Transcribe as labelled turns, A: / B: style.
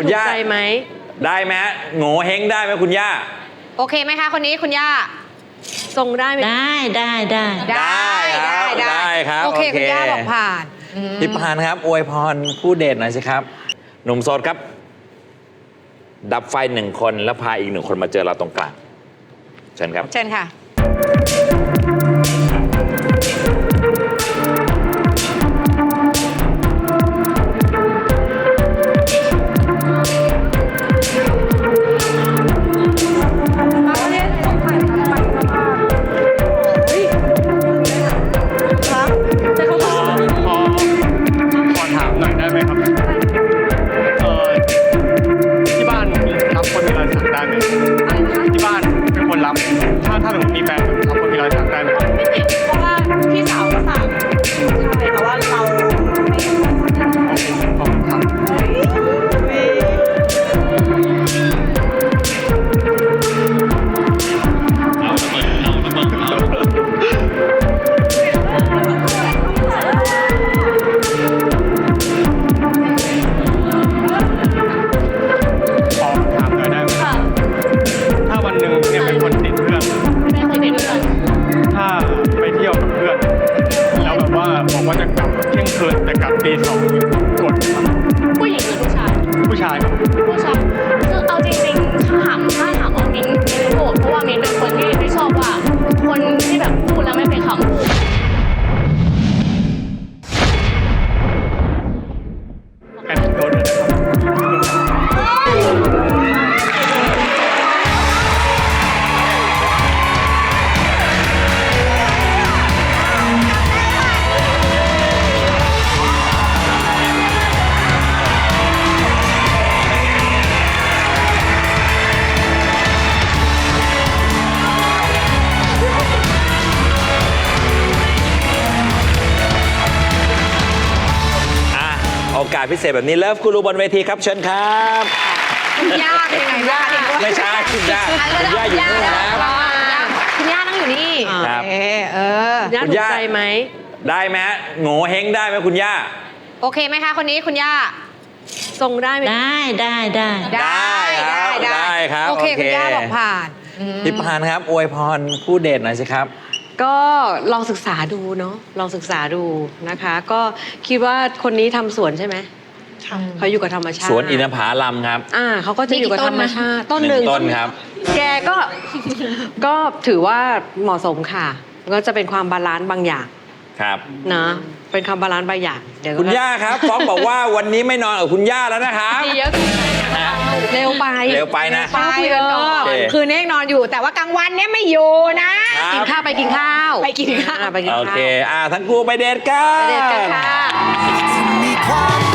A: ถูกใจไหม
B: ได้ไหมฮะโง่เฮงได้ไหมคุณย่า
C: โอเคไหมคะคนนี้คุณย่า
A: ทรงได้ไหม
B: ได้ครับ
C: โอเคคุณย่าบอกผ่าน
B: พี่ปานครับอวยพรผู้เดทหน่อยสิครับหนุ่มโสดครับดับไฟ1 คนแล้วพาอีก1 คนมาเจอเราตรงกลางเชิญครับ
C: เชิญค่ะ
D: ขอถามหน่อยได้ไหมครับที่บ้านรับคนมีรอยสักได้ไหมที่บ้านเป็นคนรับถ้าหนูมีแฟนรับคนมีรอยสักได้ไหม
A: ไม่ติดเพราะว่าพี่สาวก็สั่งใช่แต่ว่าเราไม่
D: ขอบคุณครับขอถามหน่อยได้ไหมถ้าวันหนึ่งเนี่ยเป็นคนติดเพื่อนถ้าไปเที่ยวกับเพื่อนแล้วแบบว่าบอกว่าจะกลับเที่ยงคืนแต่กลับตี 2กดครับ
E: ผู้หญิงหรือผู้ชาย
D: ผู้ชายครับ
E: ผู้ชายคือเอาจริงๆถ้าถามว่ามิ้นโกรธเพราะว่ามิ้นเป็นคนที่ไม่ชอบว่าคนที่แบบพูดแล้วไม่เป็นคำพูด
D: กันโดนเลยนะครับ
B: โอกาสพิเศษแบบนี้เลิฟกูรูบนเวทีครับเชิญครับ
C: คุณย่าเป็นยังไงบ้าง
B: ไม่ใช่คุณย่าอยู่นู่นครับ
C: คุณย่านั่งอยู่นี่
B: ครับ
A: ย่าถูกใจไหม
B: ได้ไหมฮะโง่เฮงได้ไหมคุณย่า
C: โอเคไหมคะคนนี้คุณย่า
A: ทรงได้ไหม
B: ได้ครับ
C: โอเคคุณย่าบอกผ่าน
B: พี่ปานครับอวยพรผู้เดทหน่อยสิครับ
A: ก็ลองศึกษาดูเนาะลองศึกษาดูนะคะ ก็คิดว่าคนนี้ทำสวนใช่ไหมเขาอยู่กับธรรมชาติ
B: สวนอินทผลัมครับ
A: เขาก็จะอยู่กับธรรมชาติต้น
B: 1
A: หนึ่ง
B: ต้นครับ
A: แกก็ถือว่าเหมาะสมค่ะก็จะเป็นความบาลานซ์บางอย่าง
B: ครับ
A: นะเป็นความบาลานซ์บางอย่างเดี๋ยว
B: คุณย่าครับฟ้องบอกว่าวันนี้ไม่นอนกับคุณย่าแล้วนะครับ
A: เยอะเร็วไป
B: เร็วไปนะ
C: ไปกันก่อนคืนนี้นอนอยู่แต่ว่ากลางวันเนี้ยไม่อยู่นะ
A: กินข้าวไปกินข้าว
C: ไปกินข้าว
A: ไปกินข้าว
B: โอเคทั้งกูไปเดทกัน
A: ไปเดทกันค่ะ